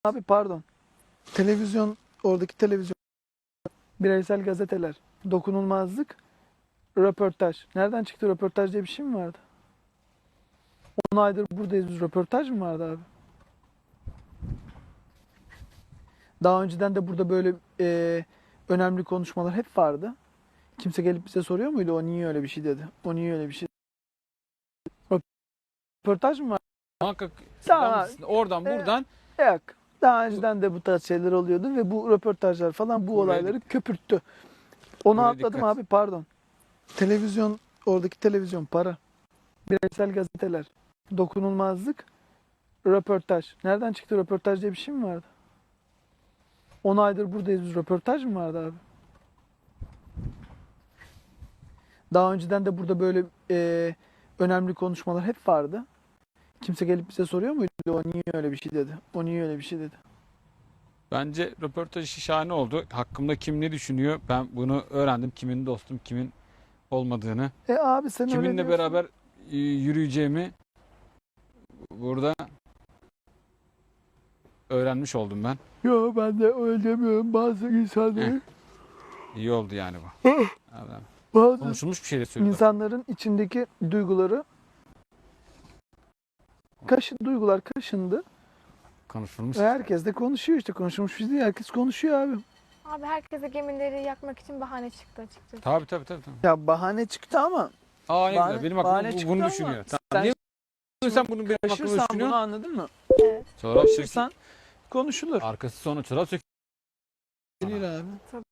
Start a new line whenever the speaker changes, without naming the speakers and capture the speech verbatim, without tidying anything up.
Abi pardon. Televizyon, oradaki televizyon, bireysel gazeteler, dokunulmazlık, röportaj. Nereden çıktı röportaj diye bir şey mi vardı? on aydır buradayız biz. Röportaj mı vardı abi? Daha önceden de burada böyle e, önemli konuşmalar hep vardı. Kimse gelip bize soruyor muydu? O niye öyle bir şey dedi? O niye öyle bir şey dedi? Röportaj mı var?
Muhakkak
Daha,
selam- oradan
e,
buradan
yok. Daha önceden de bu tarz şeyler oluyordu ve bu röportajlar falan bu
Buraya
olayları köpürttü. Onu
Buraya
atladım
dikkat.
abi pardon. Televizyon, oradaki televizyon, para, bireysel gazeteler, dokunulmazlık, röportaj. Nereden çıktı röportaj diye bir şey mi vardı? on aydır buradayız biz. Röportaj mı vardı abi? Daha önceden de burada böyle e, önemli konuşmalar hep vardı. Kimse gelip bize soruyor muydu? O niye öyle bir şey dedi? O niye öyle bir şey dedi?
bence röportaj işi şahane oldu. Hakkımda kim ne düşünüyor? Ben bunu öğrendim. Kimin dostum, kimin olmadığını,
E abi sen öyle
kiminle
diyorsun.
beraber e, yürüyeceğimi burada öğrenmiş oldum ben.
Yo ben de öyle demiyorum. Bazı insanların,
İyi oldu yani bu. Adam-
bazı
Konuşulmuş bir şey de söylüyor.
insanların içindeki duyguları kaşı, duygular kaşındı.
Konuşulmuş.
Ve herkes de konuşuyor işte. Konuşulmuş bir şey değil. Herkes konuşuyor abi.
Abi herkese gemileri yakmak için bahane çıktı açıkçası.
Tabii tabii tabii. tabii.
Ya bahane çıktı ama
Aa ne
bahane,
güzel. Benim
bahane
aklım bu-
çıktı
bunu
ama
düşünüyor. Tamam.
sen
Niye sen bunu benim aklımda
kaşırsan bunu
düşünüyorsun?
anladın mı?
Evet.
Çorap söküyor.
Kaşırsan konuşulur.
Arkası sonra çorap söküyor.
Değil abi.